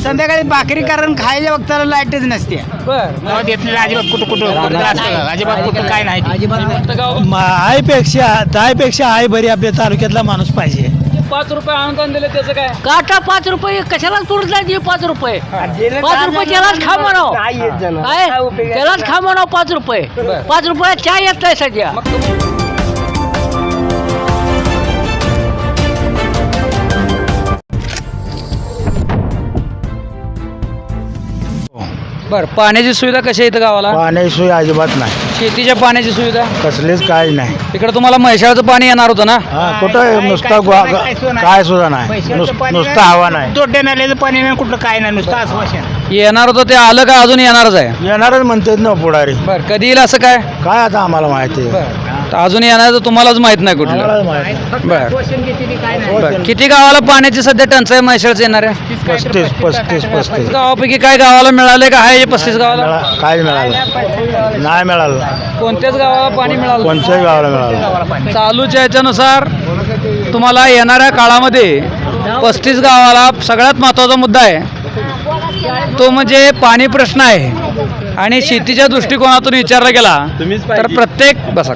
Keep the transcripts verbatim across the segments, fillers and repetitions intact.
संध्याकाळी भाकरी कारण खायच्या वक्ताला लाईटच नसते. बर घेतलेलं अजिबात कुठं कुठं कुठं असतं, अजिबात कुठं काय नाही. आईपेक्षा दहापेक्षा आई बरी आपल्या तालुक्यातला माणूस पाहिजे. पाच रुपये अनुदान दिले त्याचं काय? काटा पाच रुपये कशाला तुरत नाही पाच रुपये पाच रुपये त्यालाच खा म्हणाव काय त्यालाच खा म्हणाव पाच रुपये पाच रुपयात चहा येत नाही सध्या. मग तुम्ही बर पाण्याची सुविधा कशी आहे इथं गावाला? पाण्याची सोय अजिबात नाही, शेतीच्या पाण्याची सुविधा कसलीच काय नाही. इकडे तुम्हाला म्हैसाळचं पाणी येणार होतं ना? हा कुठं नुसता गुहा- काय सुद्धा नाही, नुस- नुसतं हवा नाही. दोड्या नाल्याचं पाणी नाही, कुठलं काय नाही, नुसतं आश्वासन. येणार होतं ते आलं का अजून येणारच आहे? येणारच म्हणतात ना पुढारी. बर कधी येईल असं काय? काय आता आम्हाला माहिती आहे. तर अजून येणार तर तुम्हालाच माहित नाही कुठलं. आम्हालाच माहिती. बर आश्वासन घेतली काय नाही. बर किती गावाला पाण्याची सध्या टंचाई म्हैसाळचं येणार आहे? पस्तीस पस्तीस पस्तीस गावापैकी काय गावाला मिळाले का आहे पस्तीस गावाला? मिळा- काय मिळालं नाही मिळालं, कोणत्याच गावाला पाणी मिळालं? कोणत्याही गावाला मिळालं. चालूच्या याच्यानुसार तुम्हाला येणाऱ्या काळामध्ये पस्तीस गावाला सगळ्यात महत्त्वाचा मुद्दा आहे तो म्हणजे पाणी प्रश्न आहे. आणि शेतीच्या दृष्टिकोनातून विचारला गेला तर प्रत्येक बसा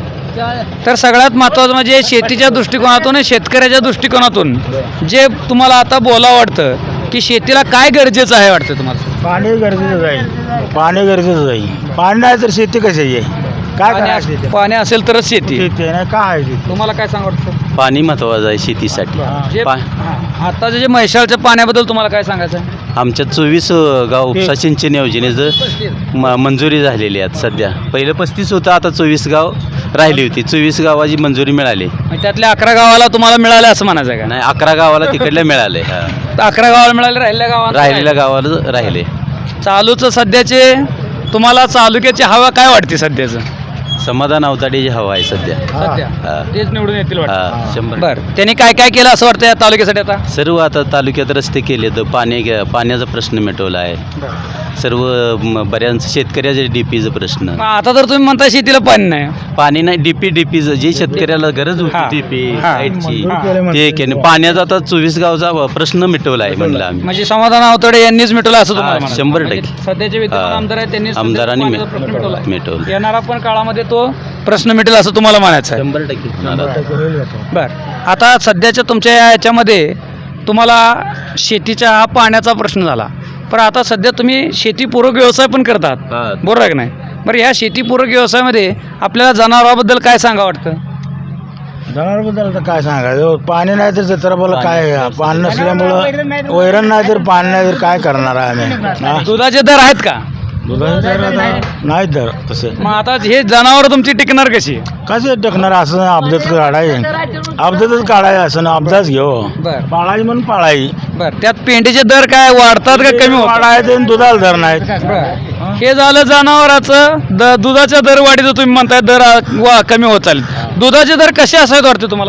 तर सगळ्यात महत्त्वाचं म्हणजे शेतीच्या दृष्टिकोनातून शेतकऱ्याच्या दृष्टिकोनातून जे तुम्हाला आता बोलावं वाटतं की शेतीला काय गरजेचं आहे वाटतं तुम्हाला? पाणी गरजेचं आहे, पाणी गरजेचं आहे. पाणी नाही तर शेती कशी आहे? काय पाणी करायचं? अस- पाणी असेल तरच शेती. शेती नाही काय आहे शेती? तुम्हाला काय सांग वाटतं? पाणी महत्त्वाचं आहे शेतीसाठी. जे पा आताचे जे म्हैसाळच्या पाण्याबद्दल तुम्हाला काय सांगायचं आहे? आमच्या चोवीस गाव उपसा सिंचन योजनेचं म मंजुरी झालेली आहे सध्या. पहिलं पस्तीस होतं, आता चोवीस गाव राहिली होती. चोवीस गावाची मंजुरी मिळाली. म्हणजे त्यातल्या अकरा गावाला तुम्हाला मिळालं असं म्हणायचं आहे नाही, अकरा गावाला तिकडल्या मिळाले. हा. का? अकरा गावाला मिळाले, राहिलेल्या गावाला राहिलेल्या गावाला राहिले. चालूचं सध्याचे तुम्हाला तालुक्याची हवा काय वाटते सध्याचं? समाधान अवताडेची हवा आहे सध्या. सध्या हा. तेच निवडून येतील वाटतं. हा, शंभर. बर त्यांनी काय काय केलं असं वाटतं या तालुक्यासाठी आता? सर्व आता तालुक्यात रस्ते केले तर पाणी पाण्याचा प्रश्न मिटवला आहे. सर्व म, बऱ्याच शेतकऱ्याचे डीपीचा प्रश्न. मग आता तर तुम्ही म्हणता शेतीला पाणी नाही. पाणी नाही, डीपी डीपीचं जे शेतकऱ्याला गरज हा. होती डीपी हा. लाईटची मंजूर ते केलं. पाण्याचा आता चोवीस गावचा प्रश्न मिटवला आहे म्हणलं आम्ही. म्हणजे समाधान अवतडे यांनीच मिटवलं असं तुम्हाला हा, म्हणायचं? शंभर म्हणजे टक्के. सध्याचे विद्यमान हा. आमदार आहेत त्यांनी आमदारांनी सध्याचा मिट- पाण्याचा प्रश्न मिटवलाय. मिटवलं. येणारा पण काळामध्ये तो प्रश्न मिटेल असं तुम्हाला म्हणायचं आहे? शंभर टक्के. बर आता सध्याच्या तुमच्या या याच्यामध्ये तुम्हाला शेतीचा हा पाण्याचा प्रश्न झाला, पण आता सध्या तुम्ही शेतीपूरक व्यवसाय पण करतात, हा. बरोबर आहे की नाही? बरं या शेतीपूरक व्यवसायामध्ये आपल्याला जनावरांबद्दल काय सांगा वाटतं? जनावरांबद्दल तर काय सांगायचं, पाणी नाही तर जत्राबाला काय आहे? पाणी नसल्यामुळं वैरण नाही तर पाणी नाही तर काय करणार आहे आम्ही? हा? दुधाचे दर आहेत का? दुधाचे दर आता नाही दर तसे. मग आता हे जनावर तुमची टिकणार कशी? कसे टिकणार? असं अपघात काढायचे, अपघातच काढायचं असं ना, अपघात घेऊ बर पाळायची म्हणून पाळायची. बर त्यात पेंडीचे दर काय वाढतात का कमी होतात? पाळायचे आणि दुधाला दर नाहीत. बरं. हे झालं जनावराचं द दुधाच्या दर वाढीचं तुम्ही म्हणताय दर आ- वा कमी होत चालेल. दुधाचे दर कसे असायला वाटते तुम्हाला?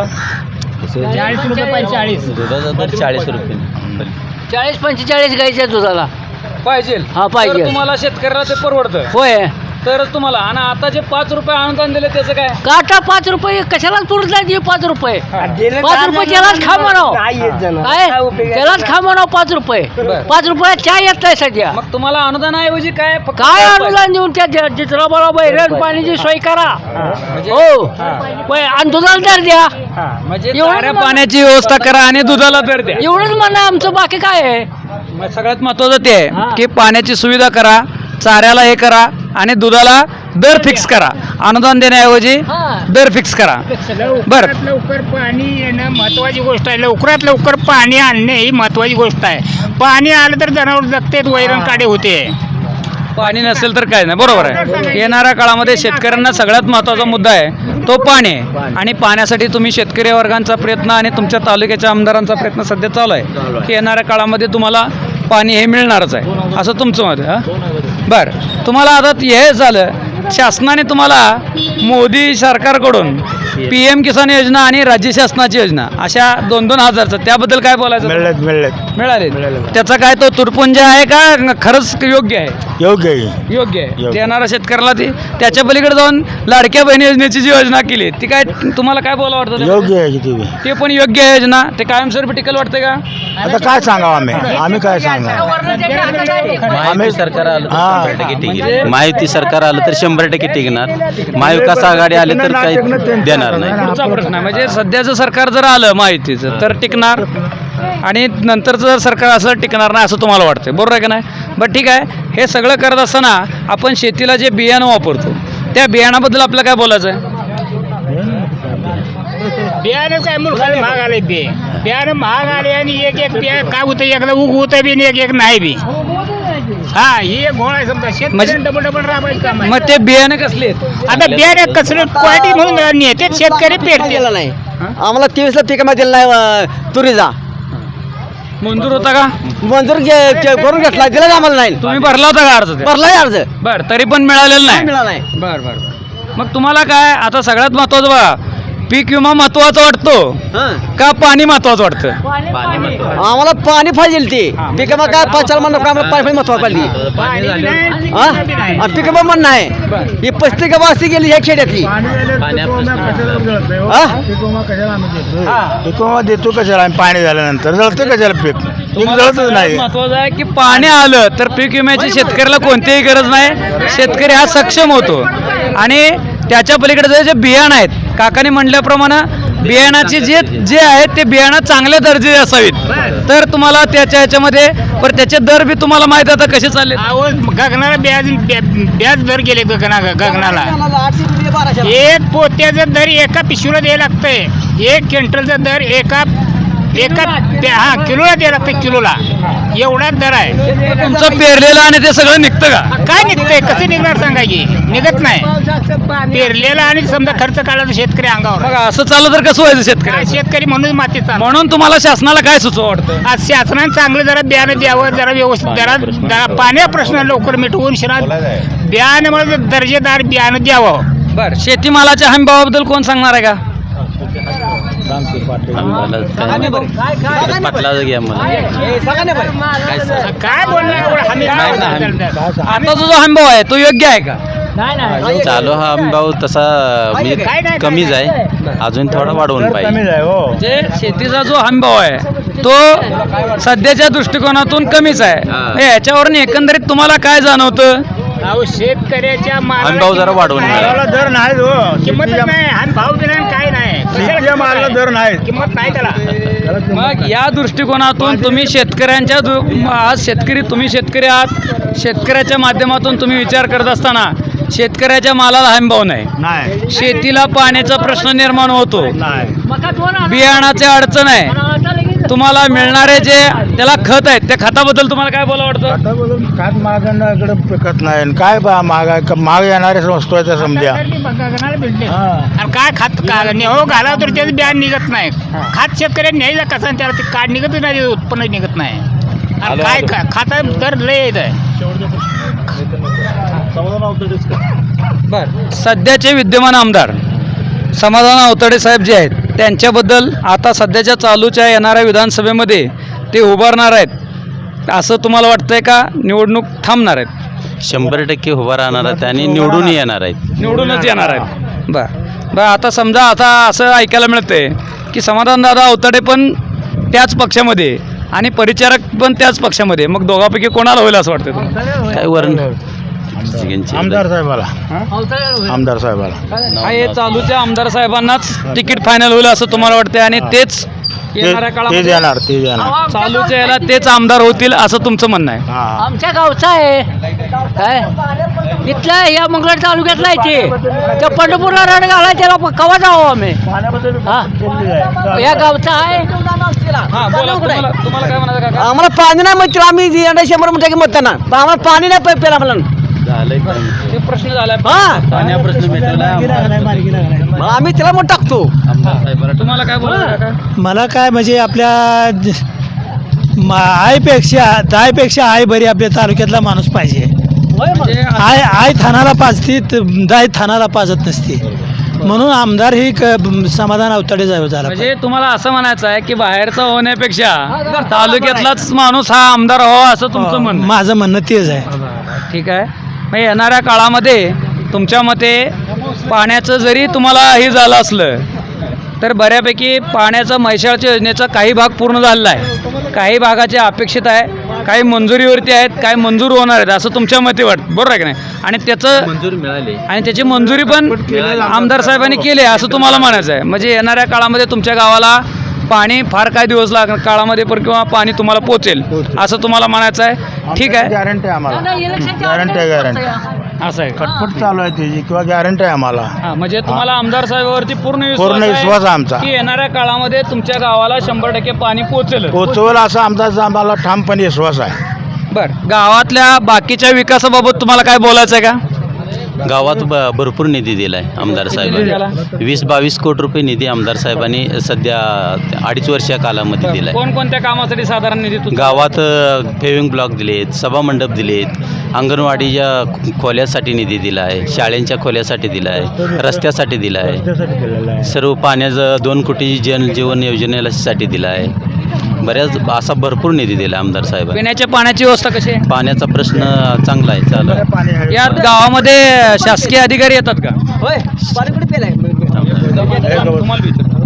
चाळीस रुपये पंचेचाळीस. दुधाचा दर चाळीस रुपये. चाळीस पंचेचाळीस गायच्या दुधाला पाहिजे हा, पाहिजे. तर तुम्हाला शेतकऱ्याला ते परवडतं होय. तरच तुम्हाला. आणि आता जे पाच रुपये अनुदान दिले त्याचं काय? काटा पाच रुपये कशाला तुरत नाही पाच रुपये पाच रुपये त्यालाच खा म्हणाव काय त्यालाच खा म्हणाव पाच रुपये बरं. पाच रुपयात चहा येत नाही सध्या. मग तुम्हाला अनुदानाऐवजी काय फक्त काय पाच- अनुदान देऊन त्या जित्राबाला बैरण पाण्याची सोय करा म्हणजे- हो हा. होय, आणि दुधाला दर द्या. हा, म्हणजे एवढं चाऱ्या मला- पाण्याची व्यवस्था करा आणि दुधाला दर द्या. एवढंच म्हणणं आहे आमचं, बाकी काय आहे? मग सगळ्यात महत्वाचं ते हा. आहे की पाण्याची सुविधा करा, चाऱ्याला हे करा आणि दुधाला दर फिक्स करा. अनुदान देण्याऐवजी हा. दर फिक्स करा. बरं. लवकरात लवकर पाणी येणं महत्वाची गोष्ट आहे. लवकरात लवकर पाणी आणणे ही महत्वाची गोष्ट आहे. पाणी आलं तर जनावर जगतेत, वैरण काढे होते. पाणी नसेल तर काय नाही, बरोबर आहे. येणाऱ्या काळामध्ये शेतकऱ्यांना सगळ्यात महत्त्वाचा मुद्दा आहे तो पाणी आहे. आणि पाण्यासाठी तुम्ही शेतकरी वर्गांचा प्रयत्न आणि तुमच्या तालुक्याच्या आमदारांचा प्रयत्न सध्या चालू आहे की येणाऱ्या काळामध्ये तुम्हाला पाणी हे मिळणारच आहे असं तुमचं मत आहे. हां बरं, तुम्हाला आता हे झालं शासनाने तुम्हाला मोदी सरकारकडून पी एम किसान योजना आणि राज्य शासनाची योजना अशा दोन दोन हजारचं त्याबद्दल काय बोलायचं? मिळत मिळत मिळाले. त्याचा काय तो तुटपुंज आहे का खरंच योग्य आहे? योग्य आहे. योग्य आहे. योग्य. देणारा शेतकऱ्याला ती त्याच्या पलीकडे जाऊन लाडक्या बहिणी योजनेची जी योजना केली ती काय तुम्हाला काय बोला वाटतं? योग्य आहे किती बी. ते पण योग्य आहे योजना. ते कायमस्वरूपी टिकल वाटते का? आता काय सांगावं आम्ही आम्ही काय सांगावं महायुती सरकार आलं तर हा. शंभर टक्के टिकेल महायुती सरकार आलं तर शंभर टक्के टिकणार महाविकास आघाडी आले तर काही देणार नाही पुढचा प्रश्न आहे म्हणजे सध्याचं सरकार जर आलं माहितीचं तर टिकणार आणि नंतरचं जर सरकार असं टिकणार नाही असं तुम्हाला वाटतं बरोबर आहे का नाही. बरं ठीक आहे, हे सगळं करत असताना आपण शेतीला जे बियाणं वापरतो त्या बियाणाबद्दल आपलं काय बोलायचं आहे? बियाणं काय मुलखाला महाग आले बे बियाणं महाग आले आणि एक एक बिया काय होतं एकदा उग होतं बी आणि एक एक नाही बी. हा ही एक घोळ आहे समजा शेतकरी म्हणजे- डबल डबल राबायचं काम आहे. मग ते बियाणं कसले आहेत? आता बियाणे कसलं क्वालिटी म्हणून नेते शेतकरी पेरते नाही आम्हाला तेवीसला पीक दिलं नाही अं, तुरीचा मंजूर होता का? मंजूर घे- घे- करून घेतला दिला आम्हाला नाही तुम्ही भरला होता का अर्ज ते? भरलाय अर्ज बर तरी पण मिळालेलं नाही. मिळाला नाही बर बर मग तुम्हाला काय आता सगळ्यात महत्वाचं बघा पीक विमा महत्वाचा वाटतो हं. का पाणी महत्वाचं वाटतं? आम्हाला पाणी पाहिजे ते पीक काय पाच चार महिने आम्हाला पाणी महत्वाचं पाहिजे पाणी नाही, हा बी नाही. आणि पीक पण नाही ही पस्तीस गावं अशी गेली ह्या खेड्यातली हा? पिकोमा देतो कशाला आम्ही पाणी झाल्यानंतर जळतं कशाला पीक पीक जळतच नाही. महत्वाचं आहे की पाणी आलं तर पीक विम्याची शेतकऱ्याला कोणतीही गरज नाही, शेतकरी हा सक्षम होतो. आणि त्याच्या पलीकडे जे बियाणं आहेत काकाने म्हणल्याप्रमाणे बियाणाचे जे जे आहेत ते बियाणं चांगल्या दर्जाचे असावीत तर तुम्हाला त्याच्या ह्याच्यामध्ये पण त्याचे दर बी तुम्हाला माहिती आता कसे चालले. अहो गगनाला ब्याज ब्या- ब्याज दर गेले गगना गगनाला एक पोत्याचा दर एका पिशवीला द्यायला लागतंय एक क्विंटलचा दर एका एका ते- हा किलोला द्यायला लागतं किलोला एवढा दर आहे. तुमचं पेरलेलं आणि ते सगळं निघतं का? काय निघतंय कसं निघणार सांगा की निघत नाही पेरलेला आणि समजा खर्च काढला तर शेतकरी अंगावर आहे. बघा असं चाललं तर कसं व्हायचं काय शेतकरी? शेतकरी म्हणून माती चालू म्हणून तुम्हाला शासनाला काय सुचवा वाटतं? आज शासनाने चांगलं जरा बियाणं द्यावं जरा व्यवस्थित जरा जरा पाण्या प्रश्न लवकर मिटवून शिरा बियाण्यामुळे दर्जेदार बियाणं द्यावं. बर शेतीमालाच्या हमीभावाबद्दल कोण सांगणार आहे का? पाटला घ्या मला काय सांग- काय बोलणार एवढं हमी नाही ना, हमी- आता जो जो हमीभाव आहे तो योग्य आहे का? चालू हा भाव तसा म्हणजे काय नाही, कमीच आहे अजून थोडा वाढवून पाहिजे. कमीच आहे हो. जे शेतीचा जो हमीभाव आहे तो सध्याच्या दृष्टिकोनातून कमीच आहे. हा. हे याच्यावरून एकंदरीत तुम्हाला काय जाणवतं? अहो शेतकऱ्याच्या मालाला हमीभाव जरा वाढवून किंमत मिळाला. नाही. मालाला दर नाही हो किंमत शेतीच्या- नाही आणि भाव बी नाही काय नाही कशाला शेतीच्या मालाला दर नाही. किंमत नाही त्याला. त्याला किंमत मग या दृष्टिकोनातून तुम्ही शेतकऱ्यांच्या दु- आज शेतकरी तुम्ही शेतकरी आहात शेतकऱ्याच्या माध्यमातून तुम्ही विचार करत असताना शेतकऱ्याच्या मालाला हमीभाव नाही, नाही शेतीला पाण्याचा प्रश्न निर्माण होतो, नाही बियाणाचे अडचण आहे, तुम्हाला मिळणारे जे त्याला खत आहेत त्या खताबद्दल तुम्हाला काय बोला वाटतं? आता बोलून खात महागांकडे पिकत नाही आणि काय बा महाग आहे? क- महाग येणारे वस्तू आहे त्या समजा गगनाला भेटले हा. आणि काय खात का हो घाला तर त्याचं बियाण निघत नाही खात शेतकऱ्यांनी न्यायला कसं आणि त्याला ते काय निघतच नाही त्याचं उत्पन्न निघत नाही आणि काय खा- खाता दर लय येत आहे. बर सध्याचे विद्यमान आमदार समाधान अवतडे साहेब जे आहेत त्यांच्याबद्दल आता सध्याच्या चालूच्या येणाऱ्या विधानसभेमध्ये ते उभारणार आहेत असं तुम्हाला वाटतंय का निवडणूक थांबणार आहेत? शंभर टक्के उभा राहणार आहेत आणि निवडून येणार आहेत. निवडूनच येणार आहेत. बर बर आता समजा आता असं ऐकायला मिळतंय की समाधानदादा अवतडे पण त्याच पक्षामध्ये आणि परिचारक पण त्याच पक्षामध्ये मग दोघांपैकी कोणाला होईल असं वाटतं तुम्हाला? काय वरण आमदार साहेबाला आमदार साहेबाला हा, हे चालूच्या आमदार साहेबांनाच तिकीट फायनल होईल असं तुम्हाला वाटतंय आणि तेच येणाऱ्या ते काळामध्ये येणार ते येणार चालूच्या याला तेच आमदार होतील असं तुमचं म्हणणं आहे. हा आमच्या गावचा आहे काय इथल्या या मंगळ तालुक्यातला आहे ते त्या पंढरपूरला रड घालाय त्याला कवा जावं आम्ही हा या गावचा आहे हा बोला तुम्हाला तुम्हाला काय म्हणायचं काका? आम्हाला पाणी नाही मग आम्ही यंदा शंभर म्हणतो की मतदान पण आम्हाला पाणी नाही पे- प्यायला मला झालंय ते प्रश्न झालाय हा पाण्या प्रश्न मिटवला मग आम्ही त्याला मग टाकतो आमदार साहेबाला तुम्हाला काय बोलायचं काका? मला काय म्हणजे आपल्या ज- मा- आईपेक्षा दाईपेक्षा आई बरी आपल्या तालुक्यातला माणूस पाहिजे. म्हणजे आय आय थानाला पाजती त- दाई थानाला पाजत नसते म्हणून आमदार ही क- समाधान अवतडे जावं झाला म्हणजे तुम्हाला असं म्हणायचं आहे की बाहेरचा होण्यापेक्षा तालुक्यातलाच माणूस हा आमदार व्हावा असं तुमचं पाहिजे. म्हणणं आहे. माझं म्हणणं तेच आहे. ठीक आहे मग येणाऱ्या काळामध्ये तुमच्या मते पाण्याचं जरी तुम्हाला हे झालं असलं तर बऱ्यापैकी पाण्याचा म्हैसाळच्या योजनेचा काही भाग पूर्ण झालेला आहे, काही भागाचे अपेक्षित आहे, काही मंजुरीवरती आहेत, काही मंजूर होणार आहेत असं तुमच्या मते वाटतं, बरोबर आहे की नाही? आणि त्याचं मंजुरी मिळाली. आणि त्याची मंजुरी पण आमदार साहेबांनी केली आहे असं तुम्हाला म्हणायचं आहे. म्हणजे येणाऱ्या काळामध्ये तुमच्या गावाला पाणी फार काय दिवस लाग काळामध्ये पण किंवा पाणी तुम्हाला पोचेल असं तुम्हाला म्हणायचं आहे. ठीक आहे, गॅरंटी आहे आम्हाला, गॅरंटी आहे, गॅरंटी असं आहे का? खटपट चालू आहे त्याची किंवा गॅरंटी आहे आम्हाला. हा, म्हणजे तुम्हाला आमदार साहेबांवरती पूर्ण पूर्ण आहे विश्वास आहे आमचा. की येणाऱ्या काळामध्ये तुमच्या गावाला शंभर टक्के पाणी पोचेल. पोचवेल असा आमचा आम्हाला ठामपणे विश्वास आहे. बरं, गावातल्या बाकीच्या विकासाबाबत तुम्हाला काय बोलायचं आहे का? गावात ब भरपूर निधी दिला आहे आमदार साहेबांनी. वीस बावीस कोटी रुपये निधी आमदार साहेबांनी सध्या अडीच वर्षा कालामध्ये दिला आहे. कोणकोणत्या कामासाठी साधारण निधी तुमचा? गावात फेविंग ब्लॉक दिलेत, सभामंडप दिलेत, अंगणवाडीच्या खोल्यासाठी निधी दिला आहे, शाळेंच्या खोल्यासाठी दिला आहे, रस्त्यासाठी दिला आहे, त्यासाठी केलेलं आहे. सर्व पाण्याचं दोन कोटी जन जीवन योजनेसाठी दिला आहे. बऱ्याच असा भरपूर निधी दिला आमदार साहेबांनी. पिण्याच्या पाण्याची व्यवस्था कशी आहे? पाण्याचा प्रश्न चांगला आहे, चालू आहे. पाणी आहे. यात गावामध्ये शासकीय अधिकारी येतात का? होय पाणी कुठे पेलाय तुम्हाला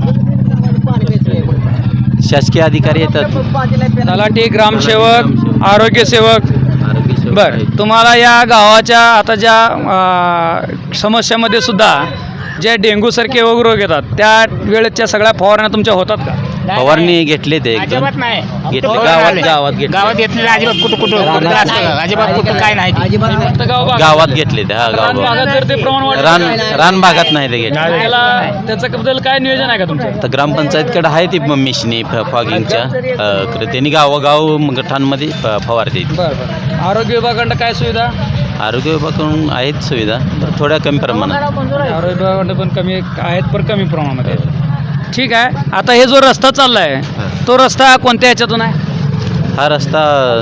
विचार. शासकीय अधिकारी येतात, तलाठी, ग्रामसेवक, आरोग्य सेवक. आरोग्य सेवक बर, आहेत. तुम्हाला या गावाच्या आता ज्या अं, समस्यामध्ये सुद्धा जे डेंग्यूसारखे वगैरे रोग येतात त्या वेळेच्या सगळ्या फवारण्या तुमच्या होतात का? फवारणी घेतले ते एकदम अजिबात नाही. घेतले फक्त गावात आले. गावात घेतले गावात घेतलेलं अजिबात कुठं कुठं कुठं असतं का? अजिबात कुठं काय नाही ते. फक्त गाव भागात. गावात घेतले ते. हा रान गाव भागात जर ते प्रमाण वाढलं रान तर रान भागात नाही ते घेतले. त्याला त्याच्याबद्दल काय नियोजन आहे का तुमचं? तर ग्रामपंचायतकडे आहे ती मिशनी फॉगिंगच्या अ, त्यांनी गावोगाव गटांमध्ये फ- फवारते. बरं बरं. आरोग्य विभागाकडं काय सुविधा? आरोग्य विभागाकडून आहेत सुविधा पण थोड्या कमी प्रमाणात. आरोग्य विभागाकडं पण कमी आहेत, पण कमी प्रमाणामध्ये आहेत. ठीक आहे. आता हे जो रस्ता चालला आहे तो रस्ता कोणत्या ह्याच्यातून आहे? हा रस्ता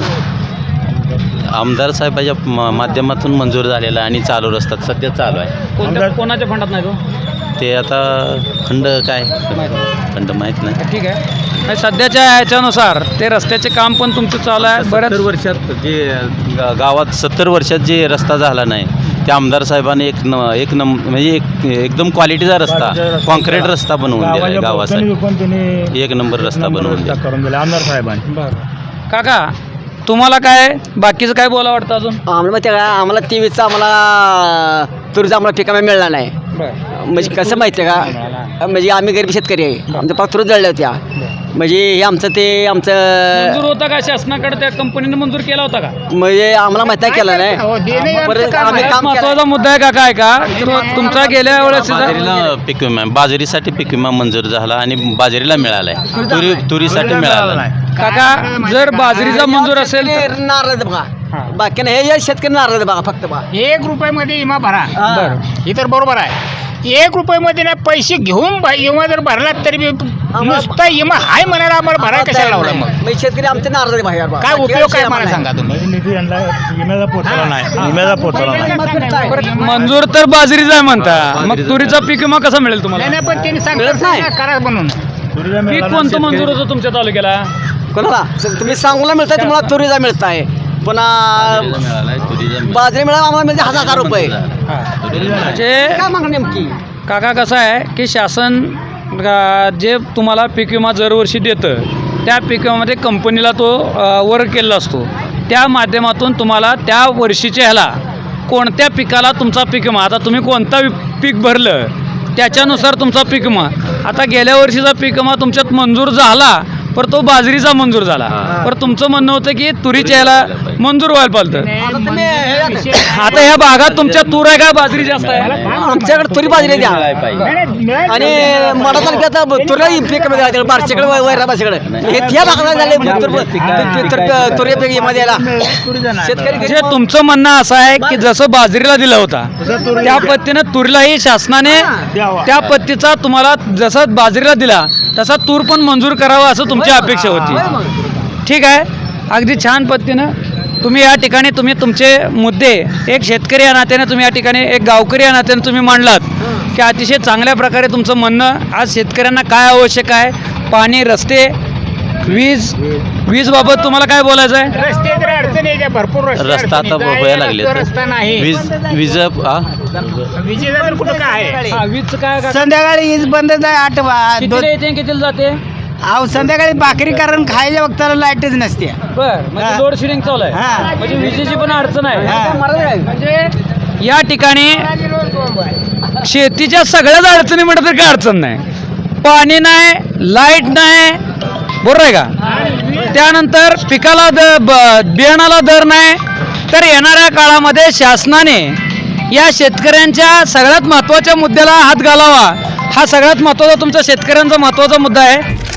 आमदार साहेबाच्या म- माध्यमातून मंजूर झालेला आणि चालू रस्ता सध्या चालू आहे. कोणत्या कोणाच्या फंडात नाही तो? ते आता खंड काय खंड माहीत नाही. ठीक आहे. आणि सध्याच्या ह्याच्यानुसार ते रस्त्याचे काम पण तुमचं चालू आहे. बऱ्याच सत्तर वर्षात जे गा- गावात सत्तर वर्षात जे रस्ता झाला नाही त्या आमदार साहेबांनी एक न एक नम म्हणजे एक एकदम क्वालिटीचा रस्ता कॉन्क्रीट रस्ता बनवून दिला आहे गावासाठी. विकून त्यांनी एक नंबर रस्ता बनवून दिला. करून दिला आमदार साहेबांनी. काका, तुम्हाला काय बाकीचं काय बोला वाटतं अजून? आम्हाला माहिती आहे का आम्हाला तेवीसचा आम्हाला तुरीचा आम्हाला ठिकाणा मिळाला नाही. म्हणजे कसं माहिती आहे का, म्हणजे आम्ही गरीब शेतकरी आहे, आमच्या पाक तुरच जळल्या होत्या. म्हणजे हे आमचं ते मंजूर आमचं होता का शासनाकडे? त्या कंपनीने मंजूर केला होता का? म्हणजे आम्हाला माहिती आहे केलं नाही. हो, देणं हे परत आमचं काम आम्ही आहे. काम केलं. महत्वाचा मुद्दा आहे काका, आहे का तर तुमचा गेल्या वेळेस बाजरीला पीक विमा बाजरीसाठी पीक विमा मंजूर झाला आणि बाजरीला मिळालाय. तुरी तुरीसाठी मिळाला नाही. काका, जर बाजरीचा मंजूर असेल तर शेतकरी नाराज आहेत बघा, बाकी नाही हे शेतकरी नाराज आहेत बघा फक्त बघा. एक रुपयामध्ये विमा भरा. बरं. हे तर बरोबर आहे. एक रुपयामध्ये ना पैसे घेऊन ब- विमा जर भरला तरी बी नुसता विमा हाय म्हणायला आम्हाला भरा कशाला लावला मग? मग शेतकरी आमचे नाराज आहेत बाहेर बघा. काय बाकी उपयोग काय विषय मला आम्हाला सांगा तुम्ही? म्हणजे निधी यांना विम्याचा पोचला नाही, विम्याचा पोचला नाही. परत मंजूर तर बाजरीचा आहे म्हणता, मग तुरीचा पीक विमा कसा मिळेल तुम्हाला? नाही नाही, पण त्यांनी मिळत नाही. सांगितलं करा म्हणून. तुरीला पीक मिळाला कोणतं शेतकरी- मंजूर होतं तुमच्या तालुक्याला? नाही. कोणाला स- तुम्ही सांगूला मिळताय, तुम्हाला तुरीचा मिळताय, पुन्हा मिळालाय तुरीचा मिळाला. बाजरी मिळाला आम्हाला मिळते हजार हजार रुपये. म्हणजे काय मागणी नेमकी? काका कसं आहे की शासन अ, जे तुम्हाला पीक विमा दरवर्षी देतं त्या पीक विमामध्ये कंपनीला तो अ, वर्ग केलेला असतो. त्या माध्यमातून तुम्हाला त्या वर्षीच्या ह्याला कोणत्या पिकाला तुमचा पीक विमा, आता तुम्ही कोणता वि- पीक भरलं त्याच्यानुसार तुमचा पीक विमा. आता गेल्या वर्षीचा पीक विमा तुमच्यात मंजूर झाला पर तो बाजरीचा मंजूर झाला, पर तुमचं म्हणणं होतं की तुरीच्या ह्याला मंजूर व्हायला पाहिजे. आता तुम्ही हे- आता ह्या भागात तुमच्या तूर आहे का बाजरी जास्त आहे? आमच्याकडे तुरी बाजरी द्या मिळायला पाहिजे. आणि मडा तालुक्यात तुरी पीक मध्ये बारशेकडे वैराबाशीकडे हे त्या भागाला झाले तुरी पीक मध्ये द्यायला शेतकरी म्हणजे तुमचं म्हणणं असं आहे की जसं बाजरीला दिला होता त्या पद्धतीनं तुरीलाही शासनाने त्या पद्धतीचा तुम्हाला जसं बाजरीला दिला तसा तूर पण मंजूर करावा असं तुमची अपेक्षा होती. ठीक आहे. अगदी छान पद्धतीनं तुम्ही या ठिकाणी तुम्ही तुमचे मुद्दे एक शेतकरी या नात्याने तुम्ही या ठिकाणी एक गावकरी या नात्याने तुम्ही मांडलात की अतिशय चांगल्या प्रकारे तुमचं म्हणणं आज शेतकऱ्यांना काय आवश्यक आहे, पाणी, रस्ते, वीज वीज बाबत तुम्हाला काय बोलायचं आहे? रस्ते जर अडचण इथे भरपूर रस्ते रस्ता आता अडचणीचा आहे. व्हायला लागले रस्ता नाही वीज वीज हा विजेचा तर कुठं काय आहे? हा, वीजचं काय का- संध्याकाळी वीज बंदच आहे आठ वा- दोन कितीला येते कितीला जाते अहो संध्याकाळी भाकरी कारण खायच्या वक्ताला लाईटच नसते बर म्हणजे लोड शेडिंग चालू आहे हा. म्हणजे विजेची पण अडचण आहे हा. म्हणजे या ठिकाणी शेतीच्या सगळ्याच अडचणी म्हटलं तर काय अडचण नाही पाणी नाही लाईट नाही बरोबर आहे का त्यानंतर पिकाला द ब- बियाणाला दर नाही तर येणाऱ्या काळामध्ये शासनाने या शेतकऱ्यांच्या सगळ्यात महत्त्वाच्या मुद्द्याला हात घालावा हा सगळ्यात महत्त्वाचा तुमचा शेतकऱ्यांचा महत्त्वाचा मुद्दा आहे